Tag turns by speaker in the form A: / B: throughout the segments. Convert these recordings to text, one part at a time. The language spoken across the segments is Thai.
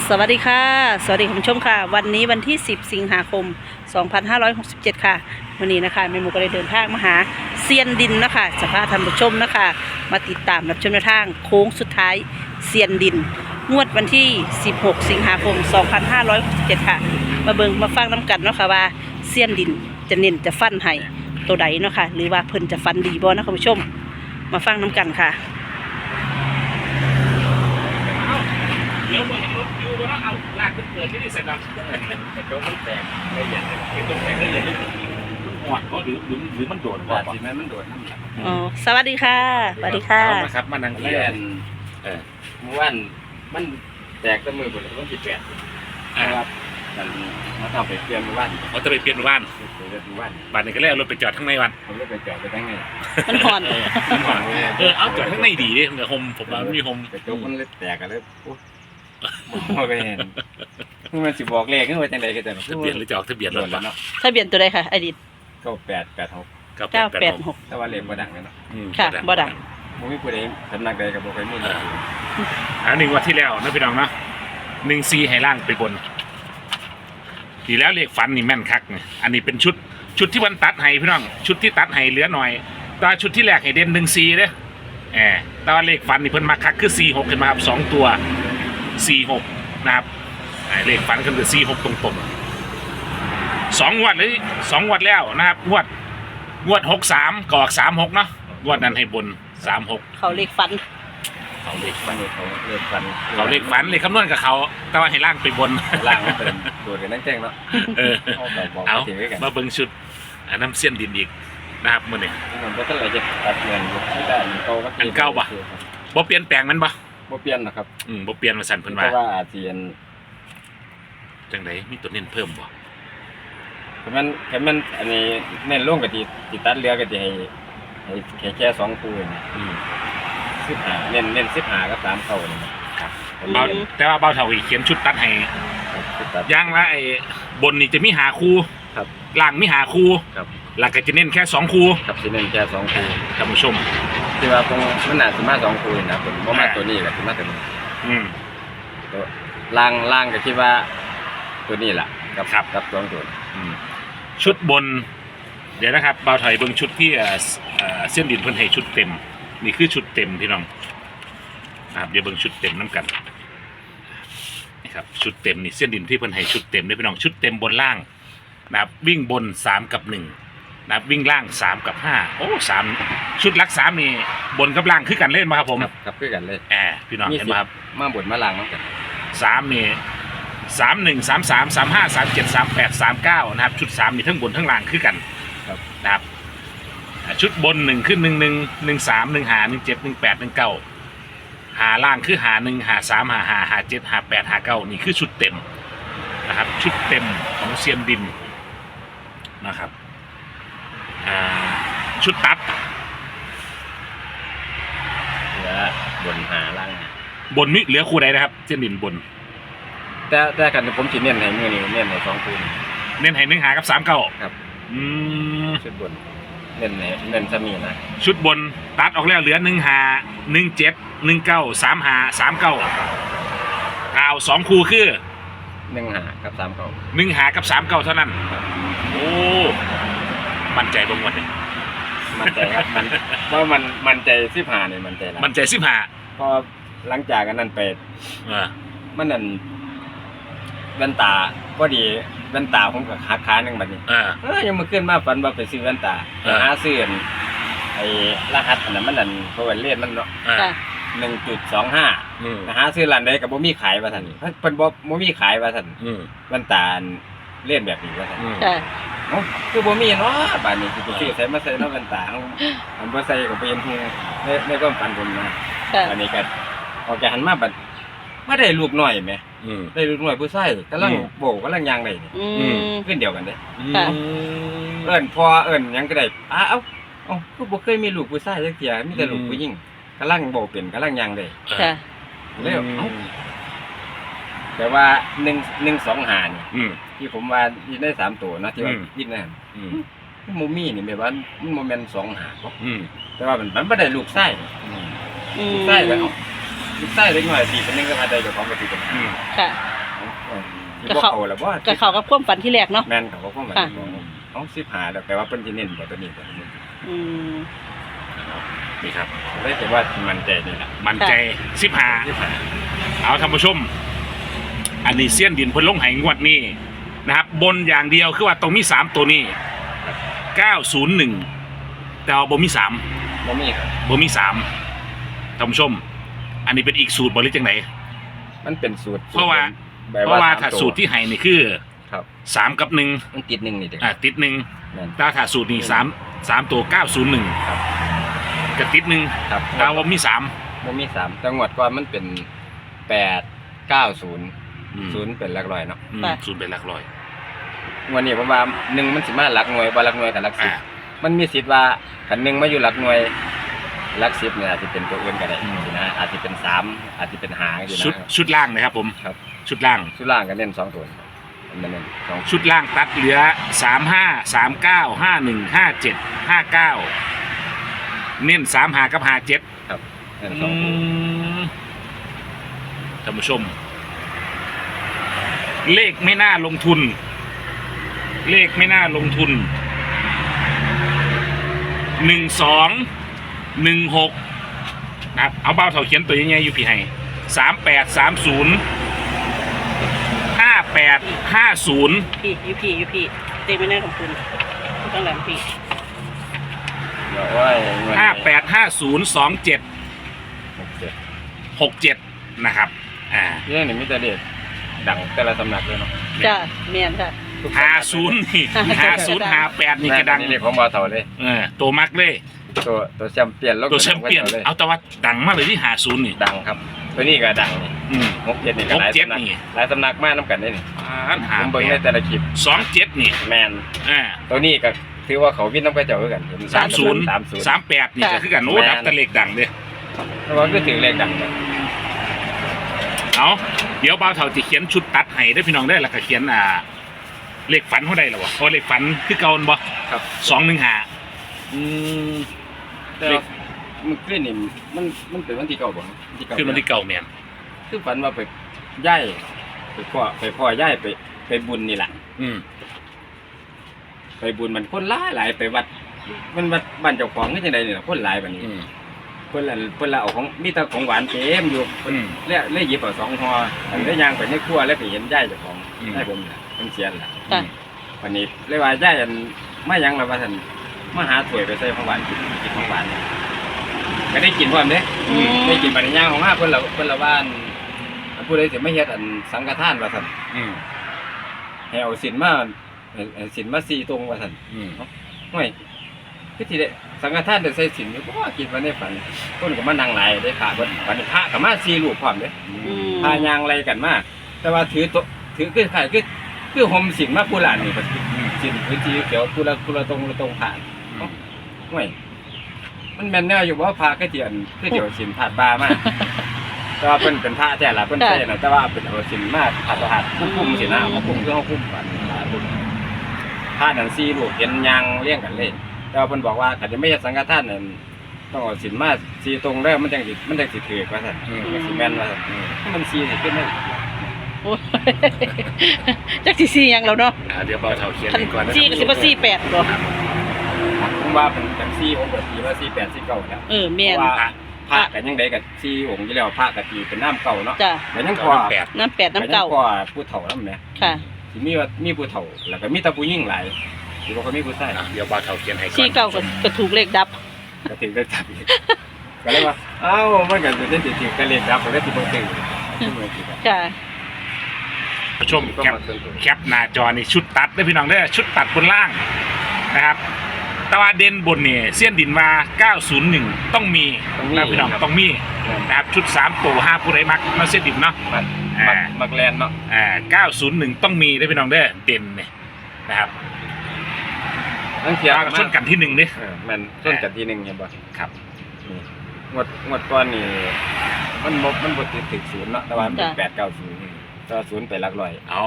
A: สวัสดีค่ะสวัสดีคุณผู้ชมค่ะวันนี้วันที่10สิงหาคม2567ค่ะวันนี้นะคะแม่หมูก็ได้เดินทางมาหาเซียนดินนะคะจะพาท่านผู้ชมนะคะมาติดตามรับชมแนวทางโค้งสุดท้ายเซียนดินงวดวันที่16สิงหาคม2567ค่ะมาเบิ่งมาฟังน้ำกันเนาะค่ะว่าเซียนดินจะเน้นจะฟันให้ตัวใดเนาะค่ะหรือว่าเพิ่นจะฟันดีบ่นะคุณผู้ชมมาฟังน้ำกันค่ะ
B: เดี๋ยวมันรถอยู่แล้วเอาลากขึ้นเกิดที่นี่เสร็จแล้วแต่โจ๊กมันแตกละเอียดเลยต้องแตกละเอียดเลยหอดเขาหรือมันโดดว่าสิมันโดดนั่นแหละ
A: อ๋อสวัสดีค่ะสวัสดีค่ะ
B: เอามาครับมานั่งเรียนเมื่อวานมันแตกตั้งมือบนวันที่8ครับมันมาทำไปเปลี่ยนเมื่อวานเขาจะไปเปลี่ยนเมื่อวานบ้านนี้ก็เลยเอารถไปจอดข้างในวันผมเลยไปจอดไปข้างใน
A: มันห่อน
B: เอาจอดข้างในดีดิเดี๋ยวโฮมผมว่ามีโฮมแต่โจ๊กมันเลยแตกกันเลยโอ้ยมันสิบอกเลขขึ้นไปจังใดก็ได้ทะเบียนหรือจะออกทะเบียนรถเนาะ
A: ทะเบียนตัวใดค่ะไอดิ
B: 9886
A: 986
B: แต่ว่าเลขบ่ดังเนาะ
A: ค่ะบ่ดัง
B: บ่มีผู้ใดสำนักใดก็บ่เคยมีหนึ่งวันที่แล้วนะพี่น้องเนาะ14ให้ล่างไปบนทีแล้วเลขฝันนี่แม่นคักนี่อันนี้เป็นชุดที่วันตัดให้พี่น้องชุดที่ตัดให้เหลือหน่อยตาชุดที่แรกให้เด่น14เด้อแต่ว่าเลขฝันนี่เพิ่นมาคักคือ46ขึ้นมาครับ2ตัว46นะครับเลขฝันก็คือ46ตรงๆ2งวดเลย2งวดแล้วนะครับงวด63ก็ออก36เนาะงวดนั้นให้บน36
A: เขาเลขฝัน
B: เขาเลขฝันเลขคำนวณกับเขาแต่ว่าให้ล่างไปบนล่างเป็นโดดกันนั่งแจ้งเนาะเอามาเบิ่งชุดน้ำเสี้ยนดินอีกนะครับมื้อนี้
C: มันก็ต้องอะไรจะตัดเงินที่ได้
B: อันเก่าป่ะบ่เปลี่ยนแปลงมันป่ะ
C: บ่เปลี่ยนนะครับ
B: บ่เปลี่ยนมาสั่นเพิ่นว่า
C: เพราะว่าอาเซียน
B: จังไดมีตัวเน้นเพิ่มบ่
C: มันอันนี้เน้นลงก็สิตัดเรือก็สิให้แค่2คู่นี่15เน้น15กับ3เข้านี่
B: ครับแต่ว่าเบาเท่าอีกเขียนชุดตัดให้อย่างละไอ้บนนี่จะมี5คู่
C: ครับ
B: ล่างมี5คู่
C: ครับ
B: หลักก็จะเน้นแค่2คู่
C: ครับสิเน้นแค่2คู่
B: ท่านผู้ชม
C: ที่ว่ามันน่าสิมา2คู่นะผมบ่มาตัวนี้ก็สิมาตัวนี้ตัวล่างก็คิดว่าตัวนี้ล่ะกับ2ตัว
B: ชุดบนเดี๋ยวนะครับเบาถอยเบิ่งชุดที่เส้นดินเพิ่นให้ชุดเต็มนี่คือชุดเต็มพี่น้องนะครับเดี๋ยวเบิ่งชุดเต็มน้ำกันนี่ครับชุดเต็มนี่เส้นดินที่เพิ่นให้ชุดเต็มด้วยพี่น้องชุดเต็มบนล่างนะครับวิ่งบน3กับ1นะครับวิ่งล่าง3กับ5โอ้3ชุดลัก3นี่บนกับล่างคือกันเล่นมาครับผม
C: ครับคือกันเลย
B: พี่น้องเห็นไหมครับ
C: มาบนมาล่างเหมือนกัน
B: 3นี่31 33 35 37 38 39นะครับชุด3นี่ทั้งบนทั้งล่างคือกันนะครับชุดบน1ขึ้น11 13 15 17 18 19หาล่างคือหา1หา3หา5หา7หา8หา9นี่คือชุดเต็มนะครับชุดเต็มของเซียนดินนะครับชุดตัด
C: เหลือบนหาล่าง
B: บนมิเหลือคู่ใดนะครับเซียนดินบน
C: แต่กันผมสิเน้นให้มื้อนี้เน้นให้2คู่
B: เน้นให้1หากับ39
C: ครับชุดบนเน้นซะมีนะ
B: ชุดบนตัดออกแล้วเหลือ1หา17 19 3หา39เอา2คู่คือ
C: 1หากับ39
B: 1หากับ39เท่านั้นโอ้มั่นใจบ่หมดเลย
C: มั่นใจครับว่ามันใจ15นี่
B: มั่นใจ15
C: พอหลังจากนั้นไปมันนั่นแว่นตาพอดีแว่นตาผมกับขานึงบัดนี้ยังมาขึ้นมาฝันว่าไปซื้อแว่นตาหาซื้อไอ้รหัสอันนั้นมันนั่นเพราะว่าเลขมันเนาะ1.25หาซื้อร้านใดก็บ่มีขายว่าซั่นเพิ่นบ่มีขายว่าซั่นแว่นตาเล่นแบบนี้ว่าซั่นคือบ่มีเนาะบัดนี้สิไปซื้อใส่มาใส่เนาะแว่นตาอันบ่ใส่ก็เป็นฮู้ในความฝันผมนะอันนี้ก็ออกจากหันมาบัดมาได้ลูกน้อยแหมได้ลูกน้อยผู้ชายกำลังโบกำลังย่างได้นี่ขึ้นเดียวกันเด้เอิ้นพ่อเอิ้นหยังก็ได้เอ้าคือบ่เคยมีลูกผู้ชายจักเที่ยมีแต่ลูกผู้หญิงกำลังโบกเป็นกำลังย่างได้
A: ค่ะ
C: แล้วแต่ว่า125นี่ที่ผมว่ายินได้3ตัวนะที่ว่ายินนั่นบ่มีนี่แม่ว่ามันบ่แม่น25บ่แต่ว่ามันบ่ได้ลูกชายลูกชายแล้วลูกชายเล็กน้อย4คนนึงก็พาได้เจ้าของก็สิเป็น
A: ค่ะ
C: ที่บ่เข้าแล้วบ่
A: ก็เข้ากับความฝันที่แรกเนาะ
C: แม่นเขาก็ความหมาย
A: ค่ะ
C: ของ15แล้วแปลว่าเพิ่นสิเน้นบ่ตัวนี้ตัวนี้
A: อืม
B: นี่ครับ
C: เลยแต่ว่ามันใจนี่ล่ะ
B: มันใจ15เอาท่านผู้ชม อันนี้เสี้ยนดินเพิ่นลงให้งวดนี้นะครับ บนอย่างเดียวคือว่าตรงมี3ตัวนี้901แต่ว่าบ่มี3
C: บ่มีครับ
B: บ่มี3ท่านผู้ชม อันนี้เป็นอีกสูตรบ่หรือจังได
C: มันเป็นสูตร
B: เพราะว่า
C: แบบ
B: เพราะว่า
C: สม
B: ถ้า
C: ตัว
B: สูตรที่ให้นี่คือ
C: ครับ
B: 3กับ1
C: มันติด1นี่เด้
B: ติด1
C: แม่น
B: ถ้าสูตรนี้3ตัว901
C: ครับ
B: ก็ติด1
C: ครับ
B: แต่ว่ามี3
C: บ่มี3แต่งวดก่อนมันเป็น8 90 0เป็นหลักร้อยเนาะ
B: ศูนย์เป็นหลักร้อย
C: งวดนี้ผมว่า1มันสิมาหลักหน่วยบ่หลักหน่วยกับหลักสิบ มันมีสิทธิ์ว่าคัน1มาอยู่หลักหน่วยหลัก10เนี่ยอาจจะเป็นตัวอื่นก็ได้นะอาจจะเป็น3อาจจะเป็น5อยู่
B: ชุด
C: นะ
B: ชุดล่างนะครับผม
C: ครับ
B: ชุดล่าง
C: ชุดล่างก็เน้น2ตัวมันเน้น2
B: ชุดล่างตัดเหลือ35 39 51 57 59เน้น35กับ57
C: ครับเน้น
B: อื
C: 2ตัว
B: มท่านผู้ชม เลขไม่น่าลงทุน เลขไม่น่าลงทุน1216นะครับเอาเบาเท่าเขียนตัวยังไงอยู่พี่ให้3830 5850
A: พี่ยูพี่เต็มไม่แน่ของคุณต้องหลังพี่
C: เดี๋ยวว่างวดนี้
B: 585027 67นะครับ
C: เรื่องนี้มีแต่เด็ดดังแต่ละสำนักเลยเนาะ
A: จ้าเมียนค่ะ
B: 50นี่50 58นี่กระดัง
C: นี่ผมว่าเท่าเลย
B: ตัวมักเลย
C: ตัวแชมเปี้ยนแล้ว
B: ตัวแชมเปี้ยน
C: เลย
B: เอาแต่ว่าดังมากเลยที่50นี่
C: ดังครับตัวนี้ก็ดังนี่
B: อืม
C: 67นี่ก็หลาย
B: 67
C: สำนัก
B: นี่
C: หลายสำนักมากน้ำกันได้นี่
B: หา
C: ผมเบิ่งในแต่ละคลิป
B: 27นี่
C: แมน
B: อ่า
C: ตัวนี้ก็ถือว่าเขาวินน้ำกระเจ้าคือกัน
B: 30
C: 30
B: 38นี่ก็คือกันโอ้ดับแตะเลขดังเลย
C: เพราะว่าก็ถือเลขดังกัน
B: เอาเดี๋ยวบ่าวเฒ่าจะเขียนชุดตัดให้ได้อพี่น้องได้อแล้วก็เขียนเลขฝันเท่าใดล่ะวะโอ้เลขฝันคือเก่าบ่
C: ครับ
B: 215อืม
C: แต่ว่ามันขึ้นนี่มันเป็นวันที่เก่าบ่ที่เก่า
B: คือมันที่เก่าแม่น
C: คือฝันว่าไปย้ายไปพ่อย่ายไปบุญนี่แหละ
B: อืม
C: ไปบุญมันคนหลายไปวัดมันวัดบ้านเจ้าของคือจังได๋นี่ล่ะคนหลายบัดนี้
B: อืม
C: เพิ่นละเอาของมีแต่ของหวานเต็มอยู่เพิ่น
B: อืม
C: เลยหยิบเอา2ห่ออันได้ย่างไปในครัวแล้วไปเห็นยายเจ้าของ
B: อืม
C: ให้ผมน่ะเพิ่นเสียล่ะ
A: จ้ะ
C: วันนี้เลยว่ายายอันมาหยังล่ะว่าซั่นมาหาถ้วยไปใส่ของหวานกินของหวานก็ได้กินพร้อมเด้
A: อืม
C: ได้กินบัดนี้ย่างของมาเพิ่นละว่าอันผู้ใดสิมาเฮ็ดอันสังฆทานว่าซั่น
B: อืม
C: ให้เอาศีลมาศีลมา4ตรงว่าซั่น
B: อืม
C: ห่วยคือสิได้สังฆทานได้ใส่ศีลอยู่บ่คิดว่าในฝันคนก็มานั่งหลายได้พระเพิ่นวันนี้พระก็มา4รูปพร้อมเด้
A: อืม
C: พายางอะไรกันมาก แต่ว่าถือคือขายคือห่มสินมาผู้หลานนี่ครับสินพื้นที่เขียวผู้ละตรงผ่านห่วยมันแม่นแน่อยู่ว่าพาก็เทียนคือเดี๋ยวสินผาดบามาก แต่ว่าเป็นพระแท้ละเพิ่นใช่นะแต่ว่าเป็นเอาสินมาผาดคุ้มสินะมาคุ้มคือเฮาคุ้มกันพระนั่น4รูปเห็นยางเรียงกันเลยแต่ว่าเพิ่นบอกว่าถ้าจะไม่เฮ็ดสังฆทานนั่นต้องเอาสินมา4ตรงแล้วมันจังสิถือว่าซั่นสิแม่นว่าซั่นมัน4สิขึ้นได้
A: โอ้ยจักสิซี่ยังแล้วเนาะ
B: เดี๋ยวบ่าวเฒ่าเขียน
A: คัน
B: ให้ก่อนนะ
A: ซี่ก็สิบ่ซี่8บ่
C: ผมว่าเป็นจังซี่ผมก็ตีว่า48 49แล้ว
A: แม่น
C: เพราะว่าพระกันยังไดก็4องค์อยู่แล้วพระก็ตีเป็นน้ำเก่าเนาะ
A: จ้ะ
C: แต่ยังพอ
A: น้ำ8น้ำเก่า
C: ก็ผู้เฒ่านำแหม
A: ค่ะ
C: สิมีผู้เฒ่าแล้วก็มีแต่ผู้หญิงหลายสิบ่ก็มีผู้ชาย
B: เดี๋ยวบ่าวเฒ่าเขียนให้ก่อน
A: ซี่เก่าก็ถูกเลขดับ
C: ก็ถึงได้จับอีกก็เลยว่าเอ้ามันก็จะสิถือกันเลขดับก็เลยสิบ่ถึง
A: ค่ะ
B: ผู้ชมแคปหน้าจอนี่ชุดตัดได้อพี่น้องเด้อชุดตัดบนล่างนะครับแตะวันเด่นบนนี่เสี้ยนดินมา901ต้องมีนะพี่น้องต้องมีนะครับชุด3ตัว5ผู้ใดมักมาเสี้ยนดินเนาะ
C: มักแลนเนาะ
B: 901ต้องมีได้อพี่น้องเด้อเด่นนี่นะครับ
C: ทั้งเทีย
B: มาชนกันที่1เด้อ
C: แม่นชนกันทีนึงเห็นบ่
B: ครับ
C: นี่งวดก่อนนี่มันบ่ติด0เนาะแต่ว่ามันเป็น890ก็0ไปหลักร้อย
B: เอา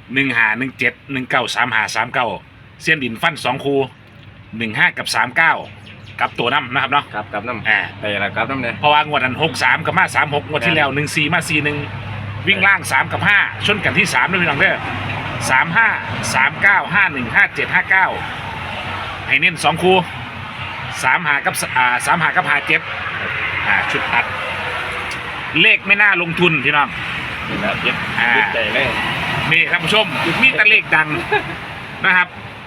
B: 1517 193539เสี้ยนดินฟัน2คู่15กับ39กับตัวน้ำนะครับเนาะ
C: ครับกับน้ำ
B: อ่า
C: ไปละครับน้ำเนี่ย
B: เพราะว่างวดนั้น63กับมา36งวดที่แล้ว14มา41 วิ่งล่าง3กับ5ชนกันที่3ด้วยพี่น้องเด้อ35 39 51 57 59ให้เน้น2คู่35กับ35กับ57ชุดตัดเลขไม่น่าลงทุนพี่น้อง
C: นี่แหละยึดใจเลย
B: นี่ท่านผู้ชมมีแต่เลขดังนะครับ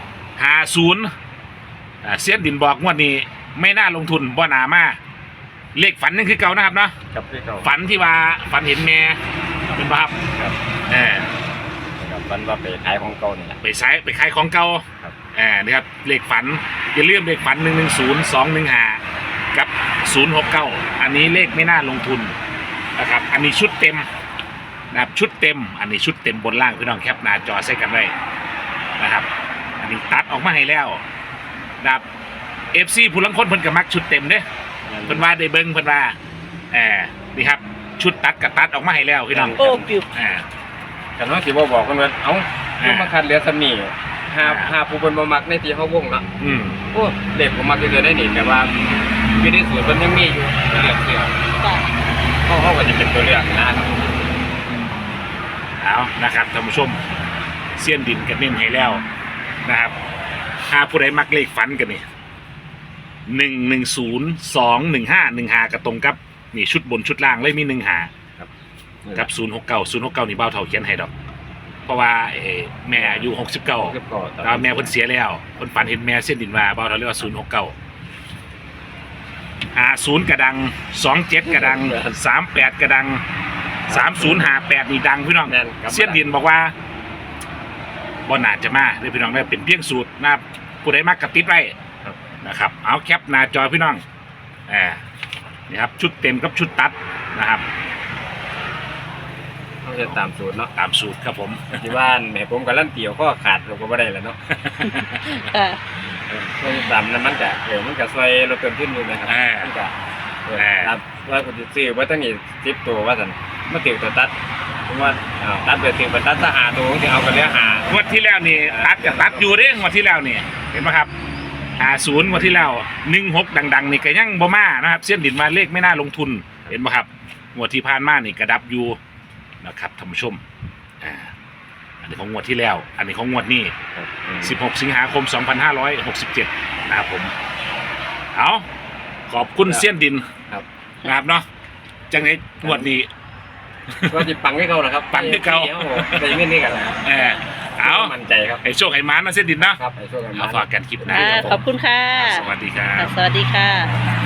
B: 50เสียนดินบอกงวดนี้ไม่น่าลงทุนบ่หนามาเลขฝันนั่นคือเก่านะครับเนาะ
C: กับพี่เก่า
B: ฝันที่ว่าฝันเห็นแม่เป็นป่ะครับ
C: ครับ
B: เออ
C: กับวันว่าไปขายของเก่านี่แหละ
B: ไปขายของเก่า
C: ครับ
B: นี่ครับเลขฝันอย่าลืมเลขฝัน110215กับ069อันนี้เลขไม่น่าลงทุนนะครับอันนี้ชุดเต็มนะครับชุดเต็มอันนี้ชุดเต็มบนล่างพี่น้องแคปหน้าจอใส่กันไว้นะครับอันนี้ตัดออกมาให้แล้วนะครับ FC ผู้ลังคนเพิ่นก็มักชุดเต็มเด้เพิ่นว่าได้เบิ่งเพิ่นว่านี่ครับชุดตัดกับตัดออกมาให้แล้วพี่น้อง
A: โอ้ปิว
C: กันว่าสิบ่บอกกันว่าเอ้ามาคัดเหลือซ้ำนี่หาผู้เพิ่นบ่มักในที่เฮาวงเนาะ
B: อืม
C: โอ้เด็กผมมักจะเกิดได้นี่แต่ว่าอยู่ในสูตรมันยังมีอยู่เลือกเสือ
A: จ้ะ
C: เขาก็จะเป็นตัวเลือกนะครับ
B: เอานะครับท่านผู้ชมเสี้ยนดินกันเน้นให้แล้วนะครับหาผู้ใดมักเลขฝันกันนี่110 215 15กระตรงกับนี่ชุดบนชุดล่างเลยมี15กับ069นี่เบ้าเท่าเขียนให้ดอก เพราะว่าแม่อายุ69แล้วแม่เพิ่นเสียแล้วเพิ่นฝันเห็นแม่เส้นดินว่าเบ้าเท่าเรียกว่า069 50กระดัง27กระดัง38กระดัง3058นี่ดังพี่น้องเส้นดินบอกว่าบ่น่าจะมาเด้อพี่น้องเด้อเป็นเพียงสูตรนะครับผู้ใดมักกระติดไว้นะครับเอาแคปหน้าจอพี่น้องนี่ครับชุดเต็มกับชุดตัดนะครับ
C: เขาจะตามสูตรเนาะ
B: ตามสูตรครับผม
C: ที่บ้านแม่ผมกับลั่นเตี่ยวก็ขาดเราก็ไม่ได้แล้วเนาะ เขาจะตามนั้นมันก็ซอยเราเติมขึ้นอยู่นะครับมันก็ครับว่าผมจะซื้อว่าตั้งนี่10ตัวว่าสันมาติวตัวตัดผมว่าตัดไปติวตัดถ้าหาตัวที่เอากันแล้วหาง
B: วดที่แล้วนี่ตัดกับตัดอยู่เด้งวดที่แล้วนี่เห็นไหมครับ50งวดที่แล้ว16ดังๆนี่ก็ยังบ่มานะครับเส้นดินมาเลขไม่น่าลงทุนเห็นไหมครับงวดที่ผ่านมานี่กระดับอยู่นะครับท่านผู้ชมอันนี้ของงวดที่แล้ว อันนี้ของงวดนี้16สิงหาคม2567นะครับผมเอาขอบคุณเส้นดิน
C: ครับ
B: นะครับเนาะจังไงงวดนี้
C: ก็จะปังให้เขานะครับ
B: ปังให้เขา
C: แต่ยังไม่นี่กันนะ
B: เอา
C: มั่นใจครับ
B: ไอ้โชคไอ้ม้านะเส้นดินเนาะ
C: ครับไอ้ช่วงกัน
B: เอาฝากกันคลิปหน้า
A: ขอบคุณค่ะ
B: สวัสดีครับ
A: สวัสดีค่ะ